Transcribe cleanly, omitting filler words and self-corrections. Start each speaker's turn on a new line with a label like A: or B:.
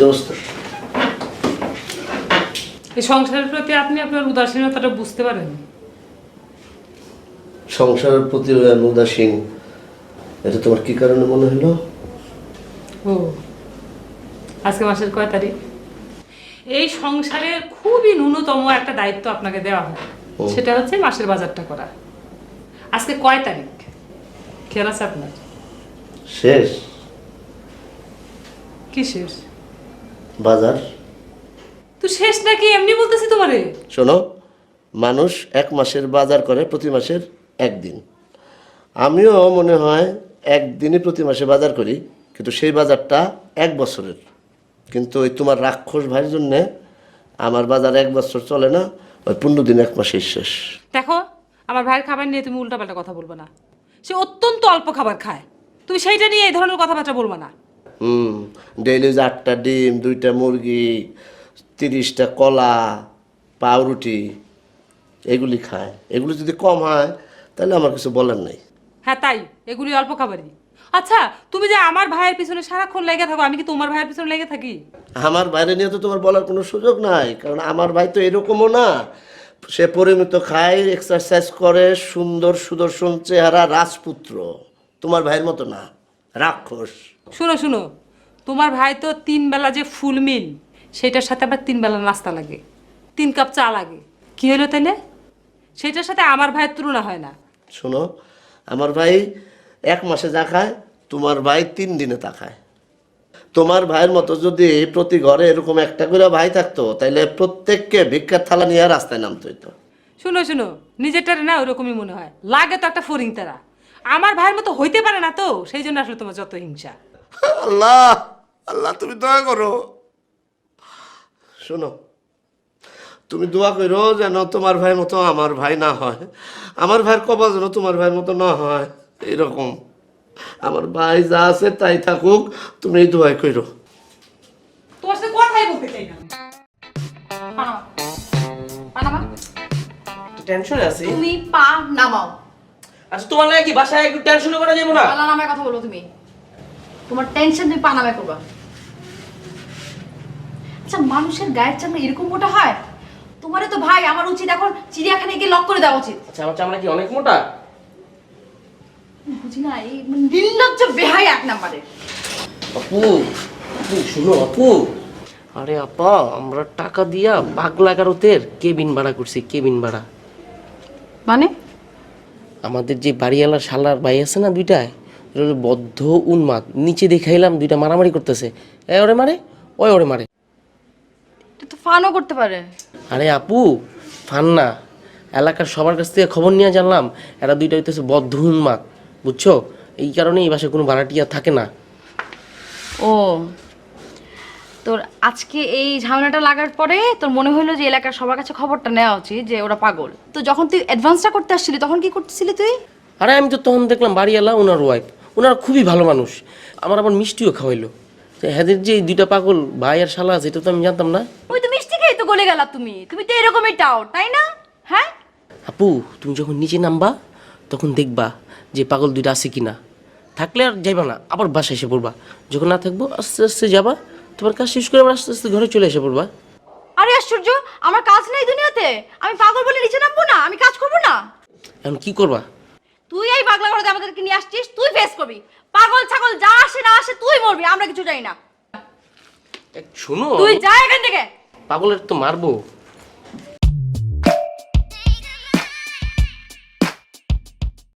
A: অবস্থা?
B: এই সংসারের প্রতি আপনি আপনার উদাসীনতাটা বুঝতে পারেন?
A: সংসারের প্রতি উদাসীন, এটা তোমার কি কারণে মনে হলো?
B: ও, আজকে মাসের কয় তারিখ? এই সংসারের খুবই ন্যূনতম একটা দায়িত্ব আপনাকে দেওয়া হয়, সেটা হচ্ছে মাসের বাজারটা করা। আজকে কয় তারিখ খেয়াল আছে আপনার?
A: শেষ।
B: কি শেষ?
A: বাজার
B: তো শেষ নাকি এমনি বলতেছি তোমারে।
A: শোনো, মানুষ এক মাসের বাজার করে প্রতি মাসের একদিন। আমিও মনে হয় একদিনই প্রতি মাসে বাজার করি, কিন্তু সেই বাজারটা এক বছরের। কিন্তু ওই তোমার রাক্ষস ভাইয়ের জন্যে আমার বাজার এক বছর চলে না, ওই 15 দিন এক মাসেই শেষ।
B: দেখো, আমার ভাইয়ের খাবার নিয়ে তুমি উল্টাপাল্টা কথা বলবে না। সে অত্যন্ত অল্প খাবার খায়, তুমি সেইটা নিয়ে এই ধরনের কথাবার্তা বলবে না।
A: ডেইলি 8টা ডিম, 2টা মুরগি, 30টা কলা, পাউরুটি এগুলি খায়। এগুলি যদি কম হয় তাহলে আমার কিছু বলার নেই।
B: হ্যাঁ তাই, এগুলি অল্প খাবারই। আচ্ছা, তুমি যে আমার ভাইয়ের পিছনে সারাক্ষণ লেগে থাকো, আমি কি তোমার ভাইয়ের পিছনে লেগে থাকি?
A: আমার বাইরে নিয়ে তো তোমার বলার কোনো সুযোগ নাই, কারণ আমার ভাই তো এরকমও না। সে পরিমিত খায়, এক্সারসাইজ করে, সুন্দর সুদর্শন চেহারা, রাজপুত্র। তোমার ভাইয়ের মতো না, রাক্ষস।
B: শুনো শুনো, তোমার ভাই তো 3 বেলা যে ফুল মিল, সেটার সাথে আবার 3 বেলা নাস্তা লাগে, 3 কাপ চা লাগে। কি হলো তাইলে? সেটার সাথে আমার ভাইয়ের তুলনা হয় না।
A: শোনো, আমার ভাই এক মাসে যা খায়, তোমার ভাই 3 দিনে তা খায়। তোমার ভাইয়ের মতো যদি প্রতি ঘরে এরকম একটা করে ভাই থাকতো, তাইলে প্রত্যেককে ভিক্ষার থালা নিয়ে রাস্তায় নামতে হইতো।
B: শুনো শুনো, নিজেরটারে না ওরকমই মনে হয়, লাগে তো একটা ফরিং তারা। আমার ভাইয়ের মতো হইতে পারে না তো, সেই জন্য আসলে তোমার যত হিংসা।
A: আল্লাহ, আল্লাহ তুমি দয়া করো। শোনো, তুমি দোয়া করো যেন তোমার ভাইয়ের মতো আমার ভাই না হয়, আমার ভাইয়ের কপাল যেন তোমার ভাইয়ের মতো না হয়। এরকম আমার ভাই যা আছে তাই থাকুক, তুমি এই দোয়াই করো।
B: তোমার সাথে কথাই বলতে চাই না। Panama, Panama.
C: টেনশনে আছি।
D: তুমি পা নামাও।
C: আচ্ছা তোমার লাগে কি বাসায় একটু টেনশন করা যাবে না?
D: পালা নামায় কথা বলো তুমি। তোমার টেনশন তুমি পা নামায় করবা। আচ্ছা, মানুষের গায়ের চামড়া এরকম মোটা হয়? তোমারে তো ভাই আমার উচিত এখন চিড়িয়াখানায় গিয়ে লক করে দেওয়া উচিত।
C: আচ্ছা আমার চামড়া কি অনেক মোটা?
D: বুঝি না, এই নির্লজ্জ বেহাই এক নাম্বারে।
C: আপু, আপু শুনো আপু। আরে আপা, আমরা টাকা দিয়া পাগলা গারতের কেবিন ভাড়া করছি, কেবিন ভাড়া।
D: মানে?
C: আমাদের যে বাড়িওয়ালা শালার ভাই আছে না দুইটায়, বদ্ধ উন্মাদ। নিচে দেখাইলাম দুইটা মারামারি করতেছে, এ ওরে মারে, ওই ওরে মারে।
D: এটা তো ফানও করতে পারে।
C: আরে আপু, ফান না, এলাকার সবার কাছ থেকে খবর নিয়ে জানলাম এরা দুইটা হইতেছে বদ্ধ উন্মাদ, বুঝছো? এই কারণে এই বাসায় কোনো ভাড়াটিয়া থাকে না।
D: ও, তোর আজকে এই ঝামেলাটা লাগার পরে তোর মনে হলো যে এলাকার সবার কাছে খবরটা নেওয়া উচিত যে ওরা পাগল। তো যখন তুই অ্যাডভান্সটা করতে আসছিলি তখন কি করতেছিলি তুই?
C: আরে আমি তো তখন দেখলাম বাড়িওয়ালা ওনার ওয়াইফ, ওনারা খুবই ভালো মানুষ, আমার আবার মিষ্টিও খাওয়াইলো। হ্যাঁ, যে এই দুইটা পাগল ভাই আর শালা আছে এটা তো আমি জানতাম না।
D: ওই তো মিষ্টি খেয়ে তো গলে গেলা তুমি। তুমি তো এরকমই টাও, তাই না? হ্যাঁ
C: আপু, তুমি যখন নিচে নামবা তখন দেখবা যে পাগল দুইটা আছে কিনা। থাকলে আর যাইবা না, আবার বাসায় এসে পড়বা। যখন না থাকবো আস্তে আস্তে যাবা, তোমার কাজ শেষ করে আবার আস্তে আস্তে ঘরে চলে এসে পড়বা।
D: আরে আশ্চর্য, আমার কাজ নাই দুনিয়াতে? আমি পাগল বলে নিচে নামবো না? আমি কাজ করবো না?
C: এখন কি করবা?
D: তুই এই পাগলা ঘরে আমাদেরকে নিয়ে আসছিস, তুই ফেস করবি। পাগল ছাগল যা আসে না আসে তুই মরবি, আমরা কিছু চাই না।
C: শোনো,
D: তুই যা এখান থেকে।
C: পাগলের তো মারবো।